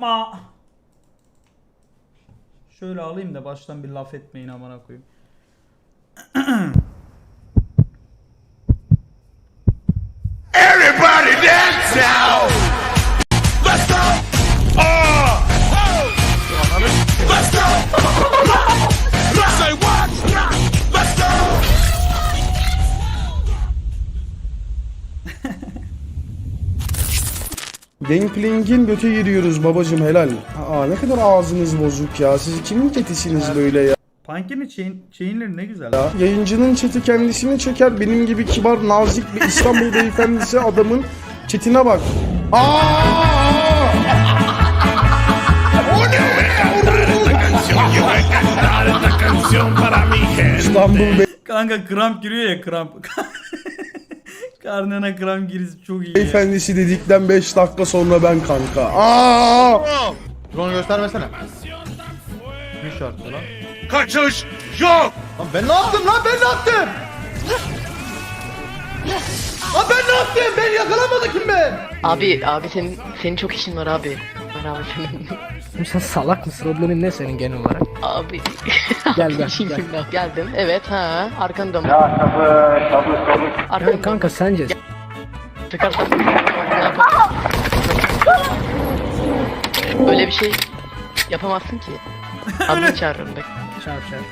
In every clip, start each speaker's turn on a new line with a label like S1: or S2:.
S1: yapma. Şöyle alayım da baştan bir laf etmeyin amına koyayım.
S2: Everybody dance now. Let's go. Let's go. Let's say what? Let's go.
S3: Gangplank'in göte giriyoruz babacım helal. Aa ne kadar ağzınız bozuk ya. Siz kimin çetisiniz böyle ya?
S1: Punk'in chainleri ne güzel.
S3: Ya. Yayıncının çeti kendisini çeker. Benim gibi kibar, nazik bir İstanbul beyefendisi adamın çetine bak. İstanbul
S1: Kanka kramp giriyor ya kramp. Karnına kramp girisi çok iyi ya.
S3: beyefendisi dedikten 5 dakika sonra ben kanka.
S4: Drone'u göstermesene. Bir şartlı lan.
S2: Kaçış yok.
S4: Lan ben ne yaptım lan ben ne yaptım? Lan ben ne yaptım? Ben yakalamadı kim ben?
S5: Abi senin çok işin var abi. Var abi senin.
S6: Sen salak mısın? Problemin ne senin genel olarak?
S5: Abi.
S6: Gel gel.
S5: İşin
S6: gel.
S5: kimden? Geldim. Evet ha. Arkanı dön.
S6: Yani
S5: Arkanı
S6: kanka sence
S5: çıkarsan. Öyle bir şey yapamazsın ki. Adını çağırırım bek.
S6: çarp çarp.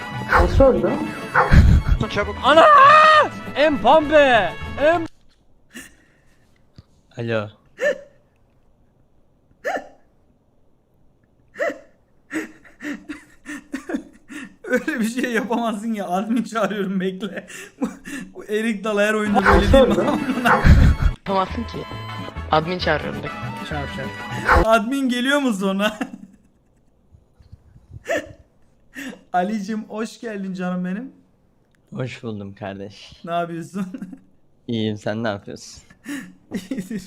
S7: Ana! Empambe! Alo.
S1: Öyle bir şey yapamazsın ya. Admin çağırıyorum bekle. Bu Erik Dalı her oyunda böyle değil mi?
S5: Yapamazsın ki. Admin çağırırım bek.
S6: Çarp çarp.
S1: Admin geliyor mu sonra? Ali'cim hoş geldin canım benim.
S7: Hoş buldum kardeş.
S1: Ne yapıyorsun?
S7: İyiyim, sen ne yapıyorsun?
S1: İyidir.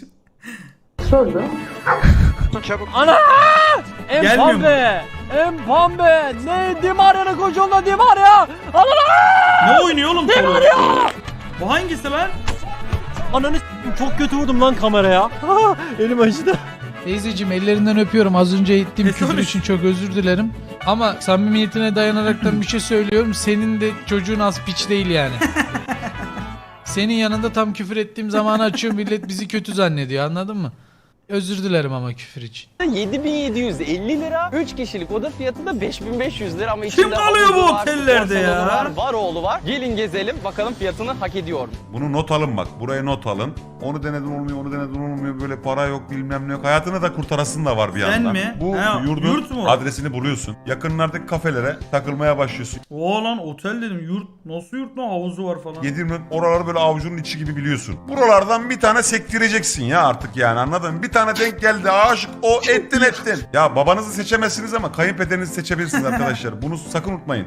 S7: Ana!
S1: Gelmiyor
S7: Empambe! Empambe! Ne? Dimarya'nın kocuğunda Dimarya!
S1: Ne oynuyor oğlum? Dimarya! Bu hangisi lan?
S7: Ananı s**eyim, çok kötü vurdum lan kameraya. Elim acıdı.
S8: Teyzeciğim ellerinden öpüyorum. Az önce ettiğim küfür
S1: sonuç?
S8: için çok özür dilerim. Ama samimiyetine dayanaraktan bir şey söylüyorum. Senin de çocuğun az piç değil yani. Senin yanında tam küfür ettiğim zamanı açıyor, millet bizi kötü zannediyor, anladın mı? Özür dilerim ama küfür için.
S9: 7750 lira. 3 kişilik oda fiyatı da 5500 lira ama
S1: Kim
S9: içinde
S1: kalıyor bu
S9: havuzu var,
S1: otellerde
S9: spor salonu
S1: ya?
S9: Var, var oğlu var. Gelin gezelim bakalım fiyatını hak ediyor mu?
S2: Bunu not alın bak. Buraya not alın. Onu denedin olmuyor, onu denedin olmuyor. Böyle para yok, bilmem ne yok. Hayatını da kurtarasın da var bir
S1: Sen
S2: yandan.
S1: mi?
S2: Bu
S1: Ha,
S2: yurdun
S1: yurt mu?
S2: adresini buluyorsun. Yakınlardaki kafelere takılmaya başlıyorsun.
S1: Oo lan otel dedim. Yurt. Nasıl yurt lan? Havuzu var falan.
S2: Yedirme oraları böyle avucunun içi gibi biliyorsun. Buralardan bir tane sektireceksin ya artık yani, anladın mı? Bir tane denk geldi, aşık o, ettin. Ya babanızı seçemezsiniz ama kayınpederinizi seçebilirsiniz arkadaşlar. Bunu sakın unutmayın.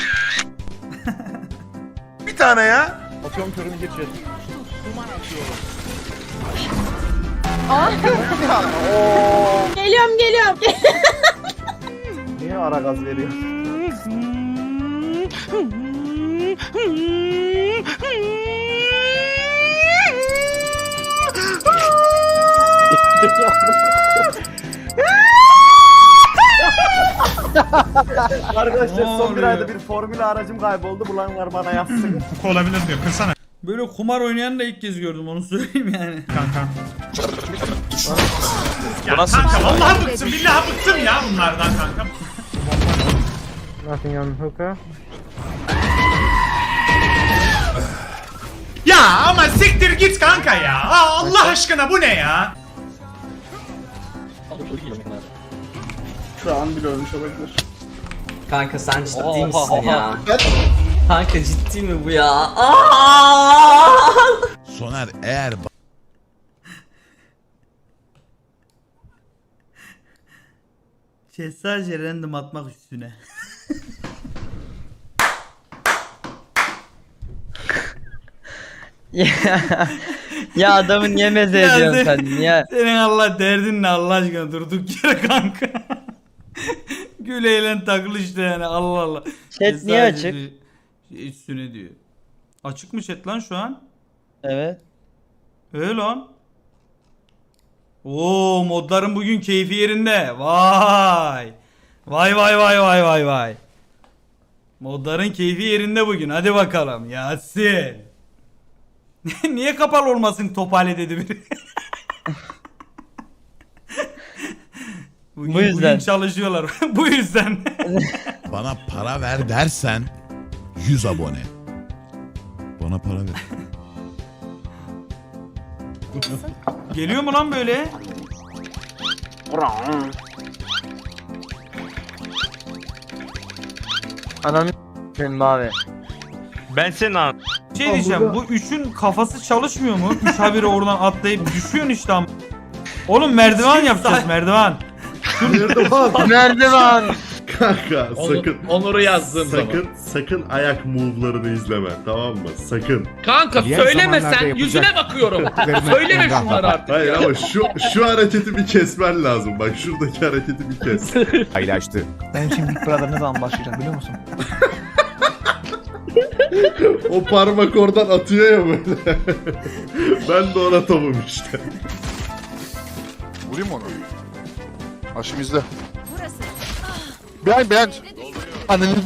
S2: Bir tane ya.
S4: Atıyorum körünü geçiyor.
S10: Geliyorum.
S4: Niye ara gaz veriyor? Arkadaşlar son bir ayda bir formül aracım kayboldu. Bulanlar bana yazsın.
S2: Olabilir diyor. Kırsana.
S1: Böyle kumar oynayanı da ilk kez gördüm, onu söyleyeyim yani.
S2: Kanka.
S7: Bu nasıl?
S2: Vallahi bıktım, billahi bıktım ya bunlardan kanka.
S6: Nothing on hookah.
S2: Ya ama siktir git kanka ya. Allah aşkına bu ne ya?
S3: Şu an bile ölmüş olabilir.
S7: Kanka sen ciddi
S9: Oha,
S7: misin
S9: oha.
S7: ya? Kanka ciddi mi bu ya?
S2: Soner eğer
S1: Sadece random atmak üstüne.
S7: Ya adamı niye meze
S1: Ya
S7: ediyorsun
S1: sen-
S7: sen? Niye?
S1: Senin Allah derdin ne Allah aşkına, durduk yere kanka. Gül eğlen takıl işte yani, Allah Allah.
S7: Chat niye açık?
S1: Üstüne diyor. Açık mı chat lan şu an?
S7: Evet.
S1: Lan. Oo, modların bugün keyfi yerinde. Vay. Vay vay vay vay vay vay. Modların keyfi yerinde bugün. Hadi bakalım Yasin. Niye kapalı olmasın Topale dedi biri. Bugün,
S9: Bu yüzden.
S1: Bugün çalışıyorlar. Bu yüzden.
S10: Bana para ver dersen 100 abone. Bana para ver.
S1: Geliyor mu lan böyle?
S9: Ananı s**eyim abi.
S7: Ben senin an.
S1: Şey diyeceğim, bu üçün kafası çalışmıyor mu? Üç haberi oradan atlayıp düşüyorsun işte ama. Oğlum merdiven yapacağız, merdiven.
S9: Merdiven.
S11: Kanka sakın
S8: Onur'u yazdım
S11: sakın ayak move'larını izleme, tamam mı? Sakın.
S8: Kanka söylemesen yüzüne bakıyorum. Söyleme şunları artık.
S11: Hayır ama şu hareketi bir kesmen lazım. Bak şuradaki hareketi bir kes.
S10: Paylaştı.
S4: Benim şimdi Big Brother ne zaman başlayacak biliyor musun?
S11: O parmak oradan atıyor ya böyle. Ben de ona tavım işte.
S10: Vurayım onu. Haşim izle. Ben. Ananızı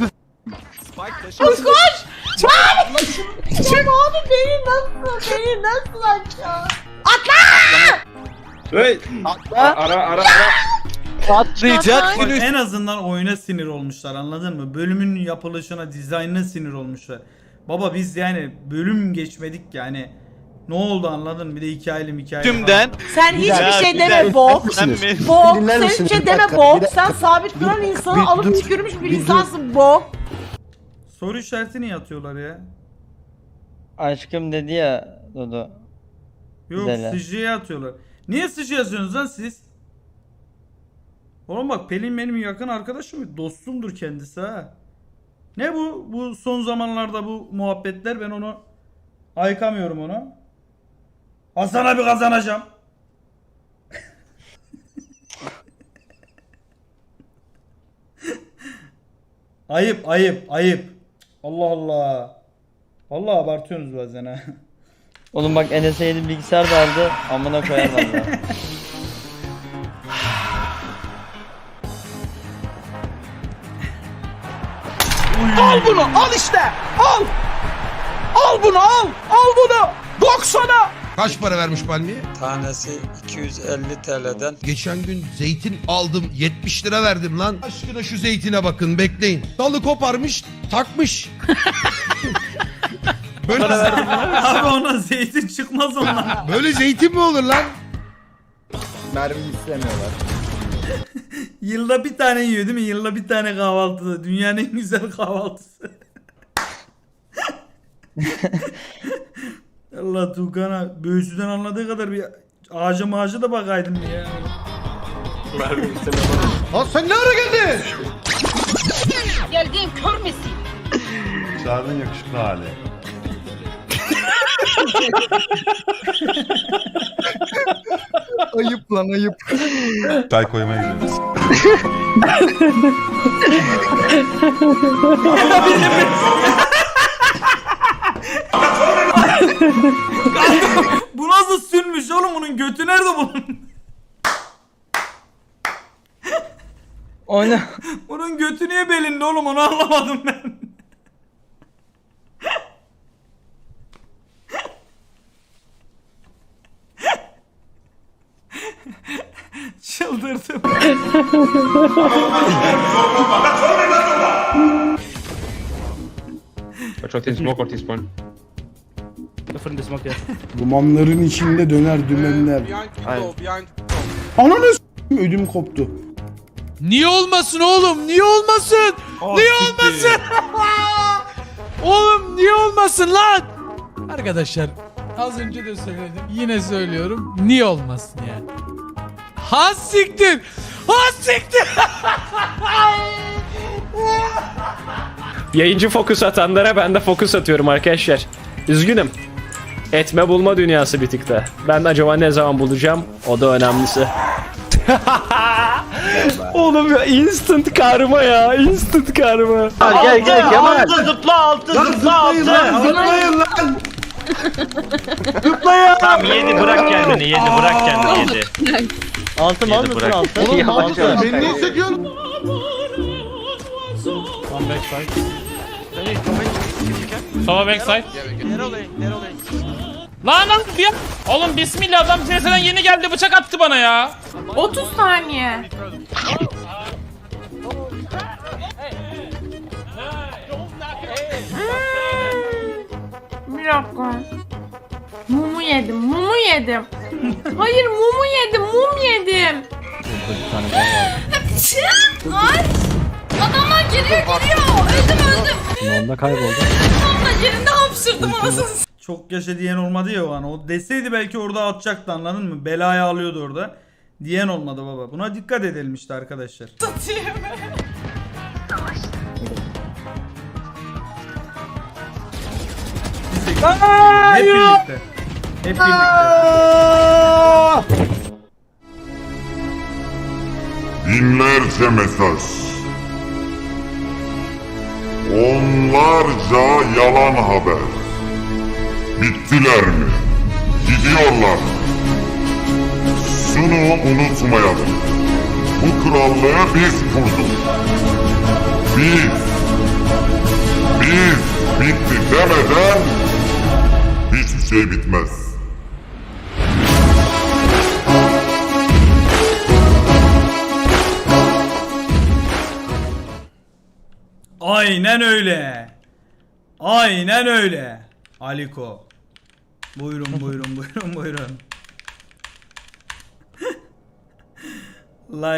S9: Patlayacak.
S1: Bak, en azından oyuna sinir olmuşlar, anladın mı? Bölümün yapılışına, dizaynına sinir olmuşlar. Baba biz yani bölüm geçmedik yani. Ne oldu anladın mı? Bir de hikaye.
S9: Tümden.
S12: Sen hiçbir şey deme bok. Bok. Sen hiçbir şey deme bok. Sen sabit duran insanı alıp tükürmüş bir insansın bok.
S1: Soru işareti niye atıyorlar ya?
S9: Aşkım dedi ya Dodo.
S1: Yok,
S9: Güzel ha.
S1: sıcıya atıyorlar. Niye sıcı yazıyorsunuz lan siz? Oğlum bak, Pelin benim yakın arkadaşım, dostumdur kendisi ha. Ne bu? Bu son zamanlarda bu muhabbetler, ben onu ayıkamıyorum onu. Hasan abi kazanacağım. Ayıp. Allah Allah. Vallahi abartıyorsunuz bazen ha.
S9: Oğlum bak Enes'e yeni bilgisayar da aldı. Amına koyar valla.
S3: Al bunu, al işte. Al. Al bunu, al. Al bunu. 90'a.
S10: kaç para vermiş palmiye?
S6: Tanesi 250 TL'den.
S10: Geçen gün zeytin aldım 70 lira verdim lan. Aşkına şu zeytine bakın, bekleyin. Dalı koparmış takmış. Böyle,
S1: Abi ona zeytin çıkmaz ondan.
S10: böyle zeytin mi olur lan?
S4: Mermi istemiyorlar.
S1: Yılda bir tane yiyor değil mi? Yılda bir tane kahvaltıda. Dünyanın en güzel kahvaltısı. Allah, Tuğkan'a böğüsüden anladığı kadar bir ağaca da bakaydın ya.
S10: Lan sen ne ara geldin?
S12: Geldiğin kör müsün?
S2: Çağrı'nın yakışıklı hali.
S3: Ayıp lan ayıp.
S2: Çay koymaya gidiyoruz.
S1: Bu nasıl sünmüş oğlum, bunun götü nerede bunun?
S9: Oyna.
S1: Bunun götü niye belinde oğlum, onu anlamadım ben. Çıldırdım.
S3: Dumanların içinde döner dümenler. Ananı s**eyim, ödüm koptu.
S8: Niye olmasın oğlum? Niye olmasın? Niye olmasın? Oğlum niye olmasın lan? Arkadaşlar az önce de söyledim. Yine söylüyorum. Niye olmasın yani? Ha siktir. Ha siktir.
S7: Yayıncı fokus atanlara ben de fokus atıyorum arkadaşlar. Üzgünüm. Etme bulma dünyası bir tık da. Ben de acaba ne zaman bulacağım? O da önemlisi. Oğlum ya, instant karma ya. Instant karma.
S9: Gel Kemal.
S11: Zıplayın lan.
S9: Tamam yedi bırak kendini yedi bırak kendini yedi.
S4: Altın al mısın altın?
S11: Oğlum
S4: Altın.
S11: mantıklı. Beni niye sekiyorsun?
S7: Sola backside. Lan ya. Oğlum bismillah adam CS'den yeni geldi bıçak attı bana ya.
S12: 30 saniye. Bir dakika. Mumu yedim, mumu yedim. Hayır mumu yedim, mum yedim. Ay! Adamlar geliyor. Öldüm.
S7: Onda kayboldu.
S12: Sonunda yerinde hapşırdım anasını.
S1: Çok yaşa diyen olmadı ya o an. O deseydi belki orada atacaktı, anladın mı? Belaya alıyordu orada. Diyen olmadı baba. Buna dikkat edelim işte arkadaşlar.
S12: Satayım.
S1: Hep birlikte. Hep birlikte.
S11: Binlerce mesaj. Onlarca yalan haber. Bittiler mi? Gidiyorlar. Şunu unutmayalım. Bu krallığı biz kurduk. Biz bitti demeden hiçbir şey bitmez.
S1: Aynen öyle. Aynen öyle. Aliko. Buyurun buyurun buyurun buyurun. Like